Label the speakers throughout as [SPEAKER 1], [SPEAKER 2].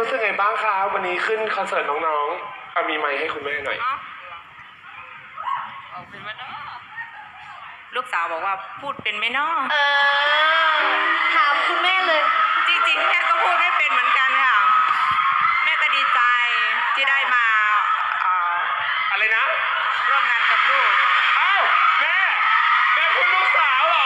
[SPEAKER 1] รู้สึกไงบ้างคะวันนี้ขึ้นคอนเสิร์ตน้องๆเอามีไมค์ให้คุณแม่หน่อย
[SPEAKER 2] ลูกสาวบอกว่าพูดเป็นไหมเนาะ
[SPEAKER 3] ถามคุณแม่เลย
[SPEAKER 2] จริงๆแม่ก็พูดไม่เป็นเหมือนกันค่ะแม่ก็ดีใจที่ได้มา
[SPEAKER 1] อะไรนะ
[SPEAKER 2] ร่วมงานกับลูก
[SPEAKER 1] อ้าวแม่คุณลูกสาวเหร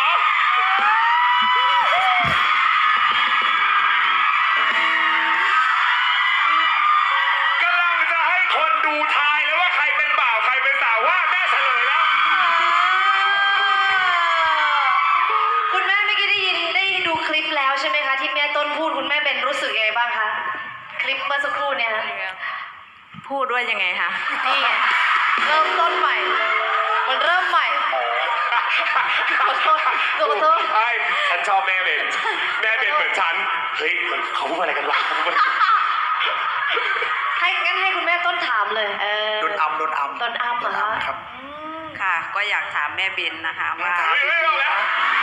[SPEAKER 1] อกำลังจะให้คนดูทายแล้วว่าใครเป็นบ่าวใครเป็นสาวว่าแม่เฉลยแล้ว
[SPEAKER 3] คุณแม่เมื่อกี้ได้ดูคลิปแล้วใช่ไหมคะที่แม่ต้นพูดคุณแม่เป็นรู้สึกยังไงบ้างคะคลิปเมื่อสักครู่เนี่ย
[SPEAKER 2] พูดด้วยยังไงคะ
[SPEAKER 3] นี่เริ่มต้นใหม่มันเริ่มใหม่ขอโทษ
[SPEAKER 1] ไอ้ฉันชอบแม่เป็นเหมือนฉันเฮ้ยเขาพูดอะไรกันวะ
[SPEAKER 3] งั้นให้คุณแม่ต้นถามเลย
[SPEAKER 4] โดนอัมเหรอ
[SPEAKER 3] ครับ
[SPEAKER 2] ค่ะก็อยากถามแม่เบนนะคะว่า
[SPEAKER 1] ไม่เอาแล้ว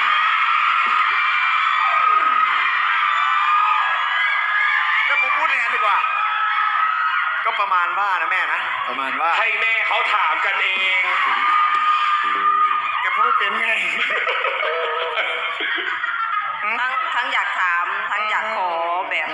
[SPEAKER 4] ก็ผมพูดอย่างนั้นดีกว่าก็ประมาณว่านะแม่นะประมาณว่า
[SPEAKER 1] ให้แม่เขาถามกันเอง
[SPEAKER 4] แกพูดเป็นไง
[SPEAKER 2] ทั้งอยากถามทั้งอยากขอแบบ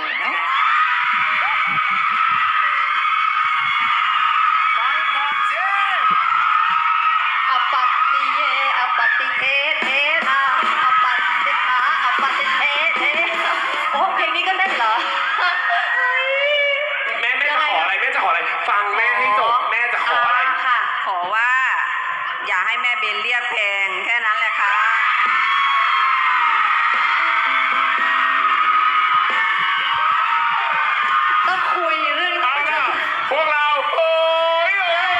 [SPEAKER 4] ฟังก่อนเจ้
[SPEAKER 3] อปัตติเยอปัตติเทเทนาอปัตติขาอปัตติเทเทโอ้เพลงนี้ก็เล่นเหรอ
[SPEAKER 1] แม่จะขออะไรฟังแม่ให้จบแม่จะขออะไร
[SPEAKER 3] ค่ะ
[SPEAKER 2] ขอว่าอย่าให้แม่เบนเรียกแพงแค่นั้นแหละค่ะ
[SPEAKER 3] ต้องคุยเรื่อง
[SPEAKER 1] พวกเราโอ้ย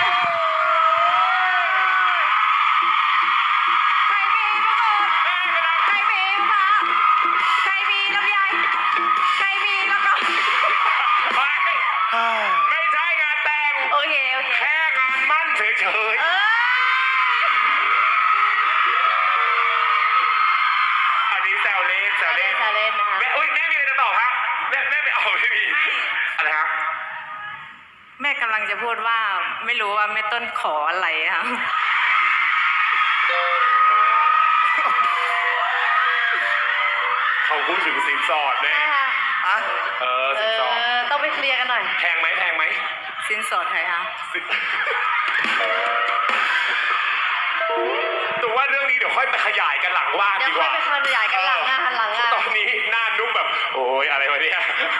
[SPEAKER 2] ใครมีมะกรูดใครมีมะใครมีลำไยใครมีแล้วก็
[SPEAKER 1] ไม่ใช่งานแต่ง
[SPEAKER 3] โอเค
[SPEAKER 1] แค่งานมั่นเฉยๆอันนี้แซวเล่น
[SPEAKER 3] นะคะ
[SPEAKER 1] แม่มีอะไรจะตอบครับแม่ไม่เอาไม่มีอะไรครับ
[SPEAKER 2] แม่กำลังจะพูดว่าไม่รู้ว่าแม่ต้นขออะไรค่ะ
[SPEAKER 1] เขาพูดถึงสินสอดแม่สินสอด
[SPEAKER 3] ต้องไปเคลียร์กันหน่อย
[SPEAKER 1] แพงไหม
[SPEAKER 2] สินสอดใครคะ
[SPEAKER 1] ตัวว่าเรื่องนี้เดี๋ยวค่อยไปขยายกันหลังว่านดีกว่า
[SPEAKER 3] เดี๋ยวค่อยไปขยายกันหลังงาน
[SPEAKER 1] ตอนนี้หน้านุ่มแบบโอ้ยอะไรวะเนี่ย